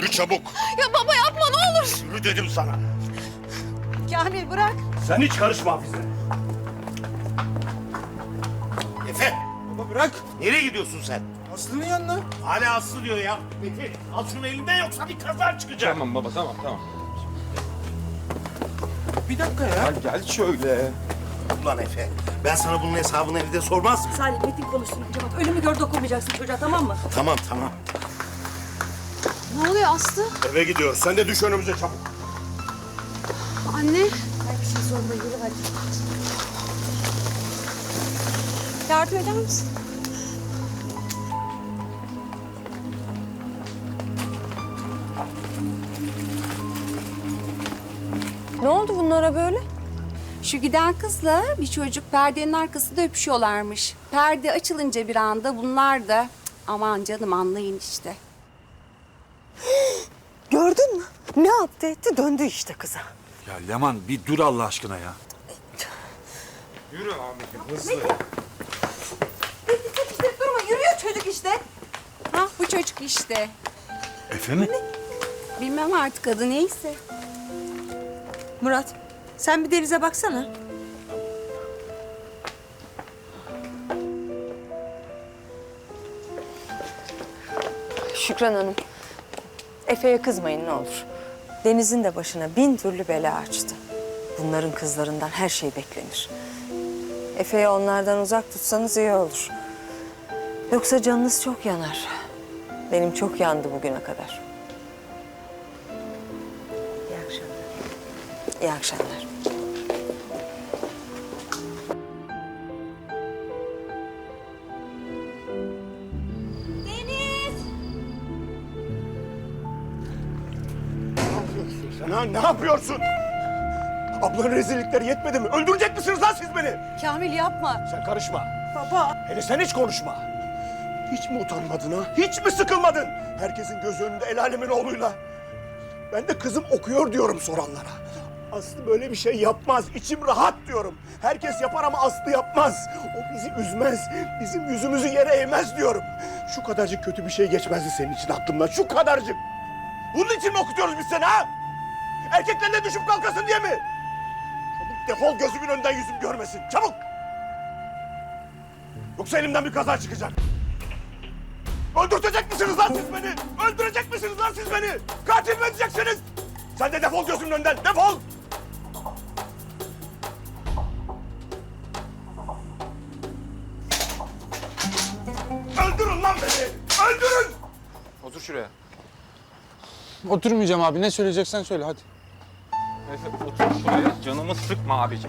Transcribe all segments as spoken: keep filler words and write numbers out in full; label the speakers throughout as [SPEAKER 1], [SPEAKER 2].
[SPEAKER 1] Yürü çabuk.
[SPEAKER 2] Ya baba yapma ne olur.
[SPEAKER 1] Yürü dedim sana.
[SPEAKER 2] Kamil bırak.
[SPEAKER 1] Sen hiç karışma Hafize. Efe.
[SPEAKER 3] Baba bırak.
[SPEAKER 1] Nereye gidiyorsun sen?
[SPEAKER 3] Aslı'nın yanına.
[SPEAKER 1] Hala Aslı diyor ya. Efe al şunu elinden yoksa bir kaza çıkacak.
[SPEAKER 4] Tamam baba tamam tamam.
[SPEAKER 3] Bir dakika ya.
[SPEAKER 4] Gel şöyle.
[SPEAKER 1] Ulan Efe ben sana bunun hesabını evde sormaz mıyım?
[SPEAKER 5] Salih Metin konuşsun önce bak. Ölümü gör dokunmayacaksın çocuğa tamam mı?
[SPEAKER 1] Tamam tamam.
[SPEAKER 2] Ne oluyor Aslı?
[SPEAKER 1] Eve gidiyoruz. Sen de düş önümüze çabuk.
[SPEAKER 2] Anne.
[SPEAKER 5] Ay bir şey sorma yürü hadi.
[SPEAKER 2] Yardım eder misin?
[SPEAKER 6] Ne oldu bunlara böyle? Şu giden kızla bir çocuk perdenin arkasında öpüşüyorlarmış. Perde açılınca bir anda bunlar da cık, aman canım anlayın işte.
[SPEAKER 5] Gördün mü? Ne yaptı etti döndü işte kıza.
[SPEAKER 7] Ya Leman bir dur Allah aşkına ya.
[SPEAKER 4] Yürü Ahmet'im hızlı.
[SPEAKER 6] İşte durma yürüyor çocuk işte. Ha bu çocuk işte.
[SPEAKER 7] Efe mi?
[SPEAKER 6] Bilmem artık adı neyse.
[SPEAKER 5] Murat sen bir denize baksana. Şükran Hanım, Efe'ye kızmayın ne olur. Deniz'in de başına bin türlü bela açtı. Bunların kızlarından her şey beklenir. Efe'yi onlardan uzak tutsanız iyi olur. Yoksa canınız çok yanar. Benim çok yandı bugüne kadar. İyi akşamlar. İyi akşamlar.
[SPEAKER 1] Sen ha ne yapıyorsun? Ablanın rezillikleri yetmedi mi? Öldürecek misiniz lan siz beni?
[SPEAKER 2] Kamil yapma.
[SPEAKER 1] Sen karışma.
[SPEAKER 5] Baba.
[SPEAKER 1] Hele sen hiç konuşma. Hiç mi utanmadın ha? Hiç mi sıkılmadın? Herkesin göz önünde el alemin oğluyla. Ben de kızım okuyor diyorum soranlara. Aslı böyle bir şey yapmaz. İçim rahat diyorum. Herkes yapar ama Aslı yapmaz. O bizi üzmez. Bizim yüzümüzü yere eğmez diyorum. Şu kadarcık kötü bir şey geçmezdi senin için aklımdan. Şu kadarcık. Bunun için mi okutuyoruz biz seni ha? Erkeklerle düşüp kalkasın diye mi? Çabuk defol gözümün önünden yüzüm görmesin. Çabuk! Yoksa elimden bir kaza çıkacak. Öldürecek misiniz lan siz beni? Öldürecek misiniz lan siz beni? Katil mi edeceksiniz? Sen de defol gözümün önünden, defol! Öldürün lan beni! Öldürün!
[SPEAKER 4] Otur şuraya.
[SPEAKER 3] Oturmayacağım abi. Ne söyleyeceksen söyle hadi.
[SPEAKER 4] Efe otur şuraya. Canımı sıkma abicim.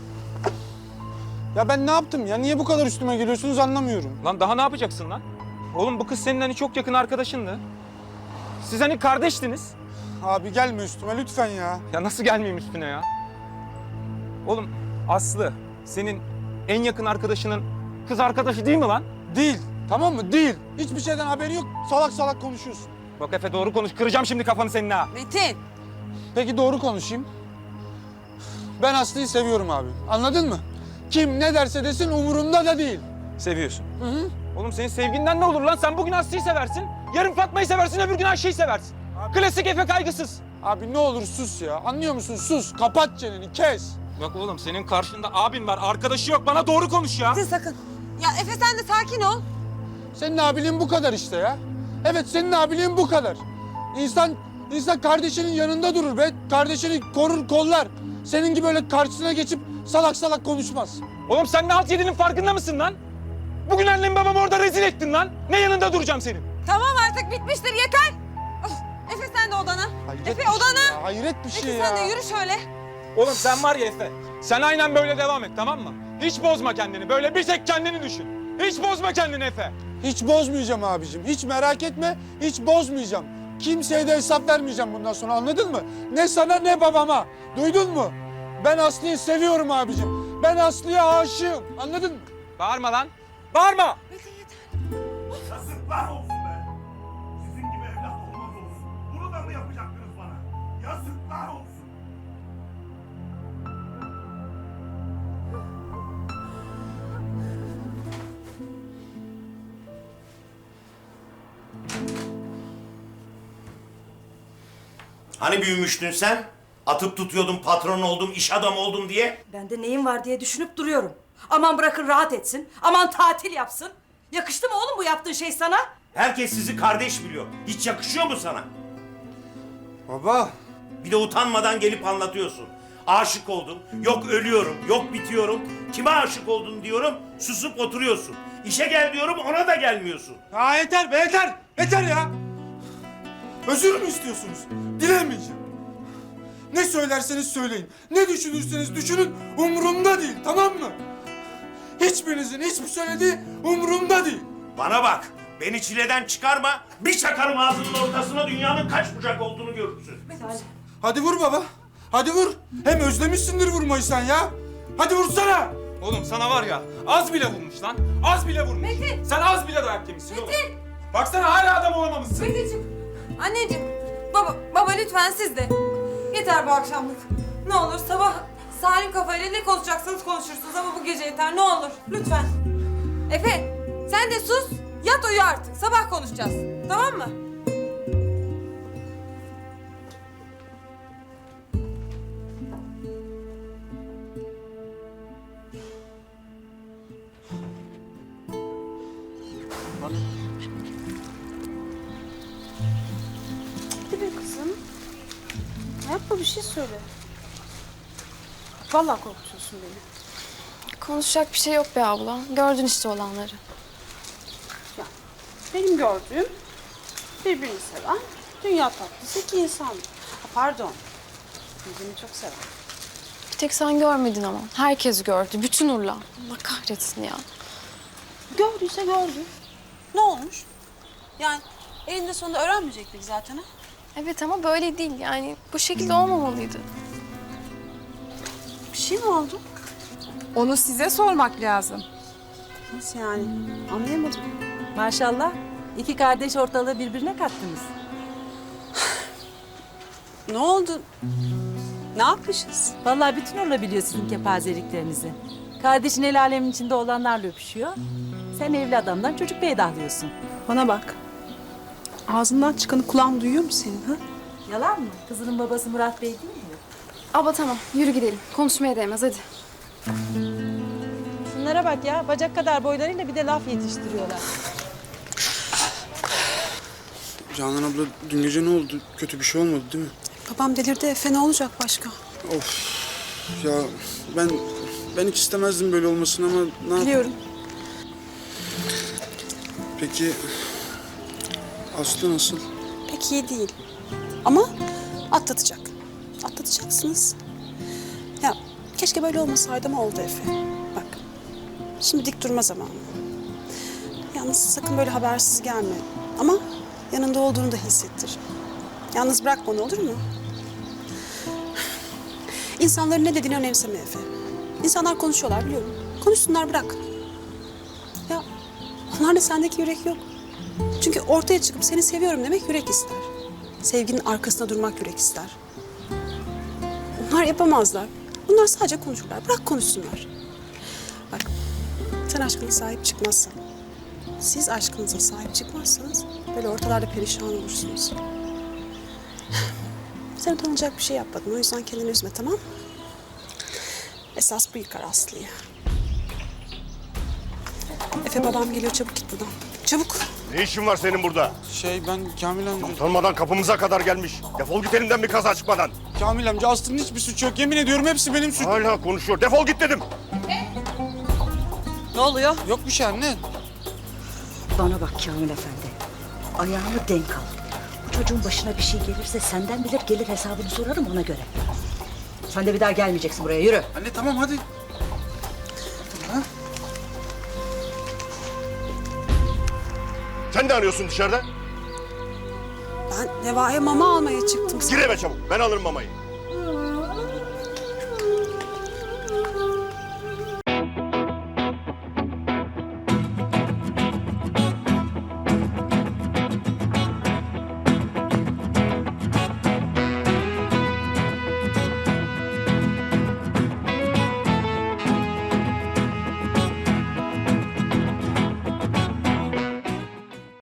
[SPEAKER 3] Ya ben ne yaptım ya? Niye bu kadar üstüme geliyorsunuz anlamıyorum.
[SPEAKER 4] Lan daha ne yapacaksın lan? Oğlum bu kız senin hani çok yakın arkadaşındı. Siz hani kardeştiniz.
[SPEAKER 3] Abi gelme üstüme lütfen ya.
[SPEAKER 4] Ya nasıl gelmeyeyim üstüne ya? Oğlum Aslı senin en yakın arkadaşının kız arkadaşı değil mi lan?
[SPEAKER 3] Değil. Tamam mı? Değil. Hiçbir şeyden haberi yok. Salak salak konuşuyorsun.
[SPEAKER 4] Bak Efe doğru konuş. Kıracağım şimdi kafanı senin ha.
[SPEAKER 6] Metin.
[SPEAKER 3] Peki doğru konuşayım. Ben Aslı'yı seviyorum abi. Anladın mı? Kim ne derse desin umurumda da değil.
[SPEAKER 4] Seviyorsun.
[SPEAKER 3] Hı hı.
[SPEAKER 4] Oğlum senin sevginden ne olur lan? Sen bugün Aslı'yı seversin. Yarın Fatma'yı seversin. Öbür gün Ayşe'yi seversin. Klasik Efe kaygısız.
[SPEAKER 3] Abi ne olur sus ya. Anlıyor musun? Sus. Kapat çeneni. Kes.
[SPEAKER 4] Bak oğlum senin karşında abin var. Arkadaşı yok. Bana doğru konuş ya.
[SPEAKER 5] Sakın.
[SPEAKER 6] Ya Efe sen de sakin ol.
[SPEAKER 3] Senin abiliğin bu kadar işte ya. Evet senin abiliğin bu kadar. İnsan, insan kardeşinin yanında durur be. Kardeşini korur, kollar. Senin gibi öyle karşısına geçip salak salak konuşmaz.
[SPEAKER 4] Oğlum sen ne halt yediğinin farkında mısın lan? Bugün annem babamı orada rezil ettin lan. Ne yanında duracağım senin?
[SPEAKER 6] Tamam artık bitmiştir yeter. Of, Efe sen de odana.
[SPEAKER 3] Hayret
[SPEAKER 6] Efe
[SPEAKER 3] bir şey
[SPEAKER 6] odana.
[SPEAKER 3] ya, hayret bir şey
[SPEAKER 6] Efe
[SPEAKER 3] ya.
[SPEAKER 6] sen de yürü şöyle.
[SPEAKER 4] Oğlum sen var ya Efe. Sen aynen böyle devam et tamam mı? Hiç bozma kendini. Böyle bir tek kendini düşün. Hiç bozma kendini Efe.
[SPEAKER 3] Hiç bozmayacağım abicim. Hiç merak etme. Hiç bozmayacağım. Kimseye de hesap vermeyeceğim bundan sonra anladın mı? Ne sana ne babama. Duydun mu? Ben Aslı'yı seviyorum abicim. Ben Aslı'ya aşığım. Anladın mı?
[SPEAKER 4] Bağırma lan. Bağırma.
[SPEAKER 1] Yazıklar olsun be! Sizin gibi evlat olmaz olsun. Bunu da mı yapacaktınız bana? Yazıklar olsun!
[SPEAKER 8] Hani büyümüştün sen? Atıp tutuyordun, patron oldum, iş adamı oldum diye.
[SPEAKER 9] Ben de neyim var diye düşünüp duruyorum. Aman bırakın rahat etsin. Aman tatil yapsın. Yakıştı mı oğlum bu yaptığın şey sana?
[SPEAKER 8] Herkes sizi kardeş biliyor. Hiç yakışıyor mu sana?
[SPEAKER 3] Baba.
[SPEAKER 8] Bir de utanmadan gelip anlatıyorsun. Aşık oldum, yok ölüyorum, yok bitiyorum. Kime aşık oldun diyorum, susup oturuyorsun. İşe gel diyorum, ona da gelmiyorsun.
[SPEAKER 3] Ya yeter be yeter. Yeter ya. Özür mü istiyorsunuz? Dilemeyeceğim. Ne söylerseniz söyleyin. Ne düşünürseniz düşünün. Umurumda değil, tamam mı? Hiçbirinizin hiçbir söylediği umurumda değil.
[SPEAKER 8] Bana bak, beni çileden çıkarma. Bir çakarım ağzının ortasına, dünyanın kaç bucak olduğunu görürsün.
[SPEAKER 3] Hadi vur baba. Hadi vur. Hem özlemişsindir vurmayı sen ya. Hadi vursana.
[SPEAKER 4] Oğlum sana var ya az bile vurmuş lan. Az bile vurmuş. Metin. Sen az bile dayak yemişsin oğlum. Metin. Baksana hala adam olamamışsın.
[SPEAKER 10] Meteciğim, anneciğim, baba, baba lütfen siz de. Yeter bu akşamlık. Ne olur sabah salim kafayla ne konuşacaksınız konuşursunuz ama bu gece yeter ne olur lütfen. Efe, sen de sus, yat uyu artık. Sabah konuşacağız. Tamam mı?
[SPEAKER 2] Hadi be kızım. Yapma bir şey söyle. Vallahi korkutuyorsun beni.
[SPEAKER 11] Konuşacak bir şey yok be abla. Gördün işte olanları.
[SPEAKER 2] Ya, benim gördüğüm birbirini seven, dünya tatlısı iki insan. Ha, pardon. Birbirini çok seven.
[SPEAKER 11] Bir tek sen görmedin ama. Herkes gördü. Bütün Urla. Allah kahretsin ya.
[SPEAKER 2] Gördüyse gördü. Ne olmuş? Yani elinde sonunda öğrenmeyecektik zaten ha.
[SPEAKER 11] Evet ama böyle değil yani. Bu şekilde olmamalıydı.
[SPEAKER 2] Bir şey mi oldu?
[SPEAKER 6] Onu size sormak lazım.
[SPEAKER 2] Nasıl yani? Anlayamadım.
[SPEAKER 9] Maşallah. İki kardeş ortalığı birbirine kattınız.
[SPEAKER 2] Ne oldu? Ne yapmışız?
[SPEAKER 9] Vallahi bütün Urla biliyor sizin kepazeliklerinizi. Kardeşin el alemin içinde olanlarla öpüşüyor. Sen evli adamdan çocuk peydahlıyorsun.
[SPEAKER 2] Bana bak. Ağzından çıkanı kulağın duyuyor mu senin ha?
[SPEAKER 9] Yalan mı? Kızının babası Murat Bey değil mi?
[SPEAKER 11] Abla tamam. Yürü gidelim. Konuşmaya değmez hadi.
[SPEAKER 9] Şunlara bak ya. Bacak kadar boylarıyla bir de laf yetiştiriyorlar.
[SPEAKER 3] Canan abla dün gece ne oldu? Kötü bir şey olmadı değil mi?
[SPEAKER 2] Babam delirdi Efe, ne olacak başka?
[SPEAKER 3] Of. Ya ben ben hiç istemezdim böyle olmasını ama ne yapayım?
[SPEAKER 2] Biliyorum.
[SPEAKER 3] Peki Aslı nasıl?
[SPEAKER 2] Pek iyi değil. Ama atlatacak. Atlatacaksınız. Ya keşke böyle olmasaydı ama oldu Efe. Bak, şimdi dik durma zamanı. Yalnız sakın böyle habersiz gelme. Ama yanında olduğunu da hissettir. Yalnız bırakma onu, olur mu? İnsanların ne dediğini önemseme Efe. İnsanlar konuşuyorlar biliyorum. Konuşsunlar, bırak. Ya onlarda sendeki yürek yok. Çünkü ortaya çıkıp seni seviyorum demek yürek ister. Sevginin arkasında durmak yürek ister. Onlar yapamazlar. Bunlar sadece konuşurlar. Bırak konuşsunlar. Bak, sen aşkına sahip çıkmazsan, siz aşkınıza sahip çıkmazsanız böyle ortalarda perişan olursunuz. Sen utanacak bir şey yapmadın. O yüzden kendini üzme, tamam mı? Esas bu yıkar Aslı'yı. Efe, babam geliyor. Çabuk git buradan. Çabuk.
[SPEAKER 1] Ne işin var senin burada?
[SPEAKER 3] Şey ben Kamil amca...
[SPEAKER 1] Tanımadan kapımıza kadar gelmiş. Defol git elimden bir kaza çıkmadan.
[SPEAKER 3] Kamil amca Aslı'nın hiçbir suçu yok. Yemin ediyorum hepsi benim suçum.
[SPEAKER 1] Hala konuşuyor. Defol git dedim.
[SPEAKER 9] Ne oluyor?
[SPEAKER 3] Yok bir şey anne.
[SPEAKER 9] Bana bak Kamil Efendi. Ayağını denk al. Bu çocuğun başına bir şey gelirse senden bilir gelir hesabını sorarım ona göre. Sen de bir daha gelmeyeceksin buraya. Yürü.
[SPEAKER 3] Anne tamam hadi.
[SPEAKER 1] Sen ne arıyorsun dışarıda?
[SPEAKER 2] Ben Neva'ya mama almaya çıktım.
[SPEAKER 1] Gir eve çabuk. Ben alırım mamayı.